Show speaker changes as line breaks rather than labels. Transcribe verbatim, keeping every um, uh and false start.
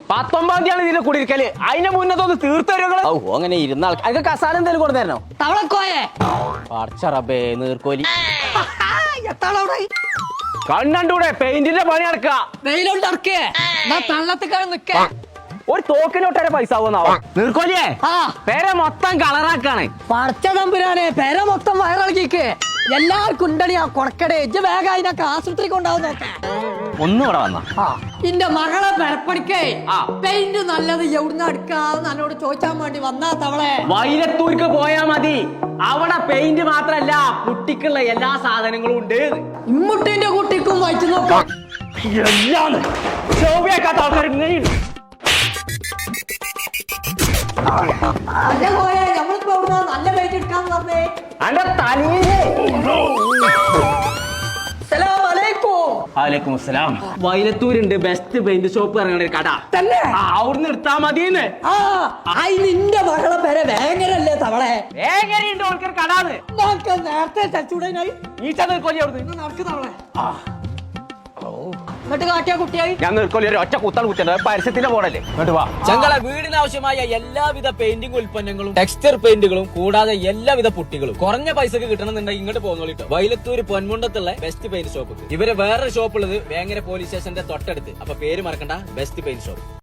പത്തൊമ്പതാം തീയതി ഇതിന്റെ കുടിയിരിക്കല്. അതിന്റെ മുന്നത്തൊന്ന് തീർത്തരുകള്.
ഓ അങ്ങനെ ഇരുന്ന ആൾക്ക് കസാല എന്തെങ്കിലും കൊടുത്തരണോ?
തവളക്കോയെ
പടച്ചറബേ നീർക്കോലി
കണ്ണൂടെ പെയിന്റിന്റെ പണി നടക്കുക.
വെയിലോട്ട് ഇറക്കേ തള്ളത്തിക്കാണ് നിക്ക.
ഒരു തോക്കിനൊട്ടേ പൈസ ആവുന്നാവോ നീർക്കോലിയേ?
ആ
പേരെ മൊത്തം കളറാക്കാണ്.
പടച്ച തമ്പുരാനെ പേര മൊത്തം വയറിളക്കിക്ക്. എല്ലാവർക്കും ഉണ്ടണി ആ കൊണക്കടേ ഇജ്ജ് വേഗം അതിനൊക്കെ ആശുപത്രി കൊണ്ടാവും നോക്കേ.
ഒന്നും ഇവിടെ വന്ന
ഇന്റെ മകളെ പെരപ്പടിക്കേ
ആ.
പെയിന്റ് നല്ലത് എവിടുന്ന് എടുക്കാന്ന് എന്നോട് ചോദിച്ചാൻ വേണ്ടി വന്നാ തവളെ.
വൈലത്തൂർക്ക് പോയാ മതി. അവിടെ പെയിന്റ് മാത്രല്ല കുട്ടിക്കുള്ള എല്ലാ സാധനങ്ങളും ഉണ്ട്.
ഇമ്മുട്ടിന്റെ കുട്ടിക്കും വായിച്ചു നോക്കാം.
എല്ലാം ശോഭയാക്കാത്ത ആൾക്കാർ ഇങ്ങനെയുണ്ട്.
അല്ല പോയെ നമ്മളിപ്പോ എവിടുന്നാ നല്ല പെയിന്റ് എടുക്കാന്ന് പറഞ്ഞേ.
അന്റെ തലയിലേ. വലൈക്കും അസ്സലാം. വൈലത്തൂരുണ്ട് ബെസ്റ്റ് പെയിന്റ് ഷോപ്പ് ഇറങ്ങണ ഒരു കട
തന്നെ.
ആ, അവിടുന്ന് എടുത്താ മതിന്ന്.
ആ ആയി നിന്റെ മകളെ പേരെ വേങ്ങരല്ലേ തവളെ.
എങ്ങനെയുണ്ട് ഓൾക്കൊരു കടാന്ന്
നോക്ക് നേരത്തെ ചച്ചൂടനായി
ഈച്ച നീർക്കോലി അവിടുന്ന്
നടക്ക് തവളെ. എന്നിട്ട് കാട്ടിയ കുട്ടിയായി
ഞാൻ നീർക്കോലി ഒരു ഒറ്റ കുത്താണ് കുത്തിയത്. പരസ്യത്തിന്റെ മോഡല്ലേ. ഇങ്ങോട്ട് വാ.
ഞങ്ങളെ വീടിനാവശ്യമായ എല്ലാവിധ പെയിന്റിംഗ് ഉൽപ്പന്നങ്ങളും ടെക്സ്ചർ പെയിന്റുകളും കൂടാതെ എല്ലാവിധ പുട്ടികളും കുറഞ്ഞ പൈസക്ക് കിട്ടണമെന്നുണ്ടെങ്കിൽ ഇങ്ങോട്ട് പോകുന്നോളിട്ടോ. വൈലത്തൂര് പൊന്മുണ്ടത്തുള്ള ബെസ്റ്റ് പെയിന്റ് ഷോപ്പ്. ഇവരെ വേറെ ഷോപ്പ് ഉള്ളത് വേങ്ങര പോലീസ് സ്റ്റേഷന്റെ തൊട്ടടുത്ത്. അപ്പൊ പേര് മറക്കണ്ട, ബെസ്റ്റ് പെയിന്റ് ഷോപ്പ്.